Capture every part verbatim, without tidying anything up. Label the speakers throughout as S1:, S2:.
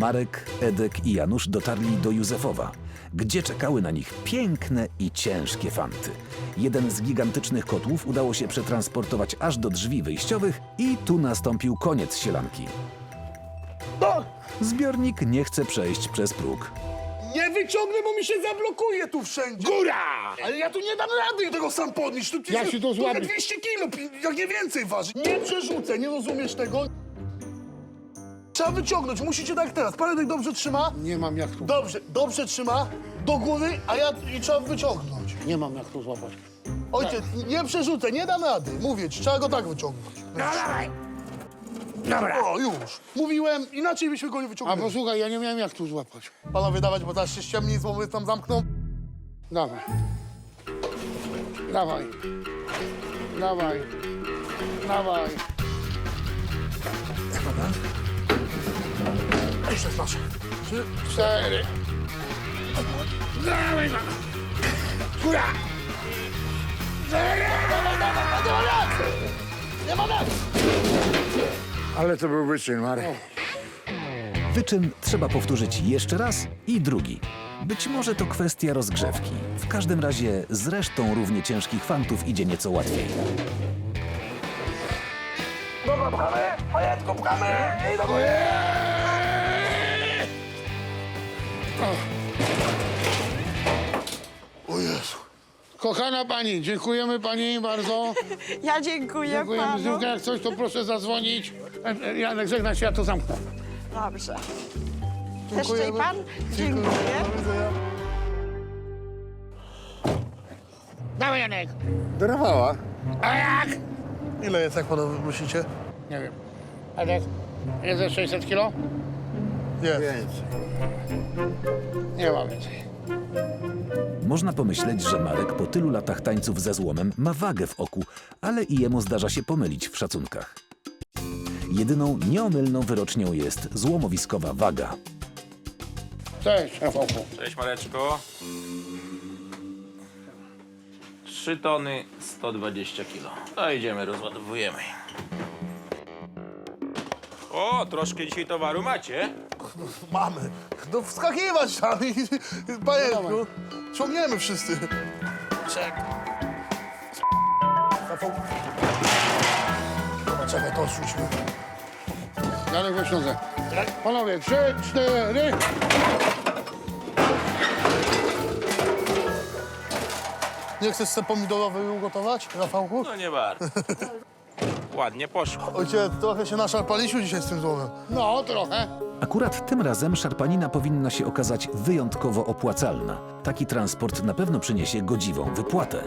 S1: Marek, Edek i Janusz dotarli do Józefowa, gdzie czekały na nich piękne i ciężkie fanty. Jeden z gigantycznych kotłów udało się przetransportować aż do drzwi wyjściowych i tu nastąpił koniec sielanki. Zbiornik nie chce przejść przez próg.
S2: Nie wyciągnę, bo mi się zablokuje tu wszędzie.
S3: Góra!
S2: Ale ja tu nie dam rady tego sam podnieść. Tu,
S3: Ja się to złapię.
S2: dwieście kilo, pi- jak nie więcej waży. Nie przerzucę, nie rozumiesz tego? Trzeba wyciągnąć, musicie tak jak teraz. Paredek dobrze trzyma.
S3: Nie mam jak tu.
S2: Dobrze, dobrze trzyma. Do góry, a ja i trzeba wyciągnąć.
S3: Nie mam jak tu złapać.
S2: Ojciec, nie przerzucę, nie dam rady. Mówię ci, trzeba go tak wyciągnąć.
S3: No dawaj! Dobra.
S2: O, już. Mówiłem, inaczej byśmy go nie
S3: A
S2: wyciągnęli.
S3: posłuchaj, ja nie miałem jak tu złapać.
S2: Panowie, dawać, bo teraz się ściemni, złomy tam zamkną.
S3: Dawaj. Dawaj. Dawaj. Dawaj.
S2: Jeszcze jest nasze. Trzy,
S3: Cztery. Dawaj, no. Góra!
S2: nie ma rady.
S3: Ale to był wyczyn, Marek.
S1: Wyczyn trzeba powtórzyć jeszcze raz i drugi. Być może to kwestia rozgrzewki. W każdym razie z resztą równie ciężkich fantów idzie nieco łatwiej.
S3: Dobra, pchamy! Majetko, pchamy! I do góry!
S2: O Jezu.
S3: Kochana pani, dziękujemy pani bardzo.
S4: Ja dziękuję
S3: Dziękujemy.
S4: panu.
S3: Zdrówka, jak coś, to proszę zadzwonić. E, e, Janek, żegnaj się, ja to zamknę.
S4: Dobrze. Jeszcze
S2: Dziękujemy.
S4: i pan? Dziękuję.
S2: Do widzenia.
S3: Dawaj, Janek.
S5: Dorwała.
S3: A jak?
S2: Ile jest, jak panowie myślicie?
S3: Nie wiem. Edek, jest ze sześćset kilo?
S2: Jest.
S5: Więcej.
S3: Nie ma więcej.
S1: Można pomyśleć, że Marek po tylu latach tańców ze złomem ma wagę w oku, ale i jemu zdarza się pomylić w szacunkach. Jedyną nieomylną wyrocznią jest złomowiskowa waga.
S3: Cześć, Rafałku.
S6: Cześć Mareczko. trzy tony sto dwadzieścia kilo. No idziemy, rozładowujemy. O, troszkę dzisiaj towaru macie.
S2: Mamy. No wskakiwać tam i... Panienku, ciągniemy wszyscy. Czek. Dobra, czekaj, to odrzućmy.
S3: Janek, weź nogę. Panowie, trzy, cztery.
S2: Nie chcesz sobie pomidorowy ugotować, Rafałku?
S6: No nie bardzo. Ładnie poszło.
S2: Ojciec, trochę się naszarpaliśmy dzisiaj z tym złomem.
S3: No, trochę.
S1: Akurat tym razem szarpanina powinna się okazać wyjątkowo opłacalna. Taki transport na pewno przyniesie godziwą wypłatę.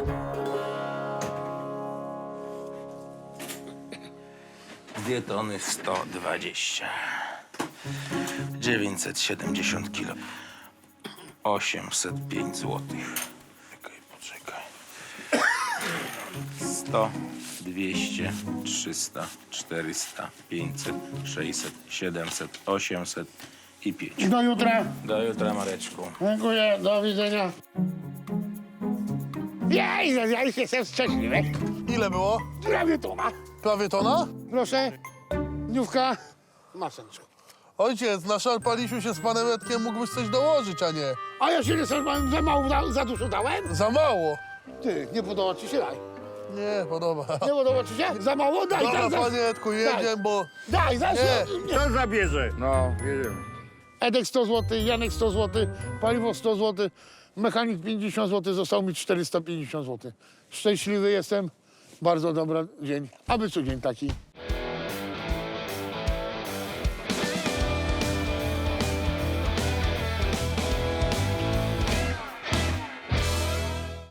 S6: dwie tony sto dwadzieścia. dziewięćset siedemdziesiąt kilo. osiemset pięć złotych. Czekaj, poczekaj. sto, dwieście, trzysta, czterysta, pięćset, sześćset, siedemset, osiemset i pięć.
S3: Do jutra.
S6: Do jutra, Mareczku.
S3: Dziękuję, do widzenia. Jej, ja już jestem szczęśliwy.
S2: Ile było?
S3: Prawie tona.
S2: Prawie tona?
S3: Proszę, dniówka. Maseczko.
S2: Ojciec, naszarpaliśmy się z panem Edkiem, mógłbyś coś dołożyć, a nie.
S3: A ja się nie sądzę, za mało, za, za dużo dałem?
S2: Za mało.
S3: Ty, nie podoba ci się, daj.
S2: Nie, podoba.
S3: Nie podoba ci się? Za mało? Daj,
S2: Dobra,
S3: daj, daj.
S2: panie Edku, jedziemy, bo...
S3: Daj, daj.
S2: Nie.
S3: Nie.
S5: Kto zabierze? No, jedziemy.
S3: Edek sto złotych, Janek sto złotych, paliwo sto złotych, mechanik pięćdziesiąt złotych, zostało mi czterysta pięćdziesiąt złotych. Szczęśliwy jestem, bardzo dobry dzień, aby co dzień taki.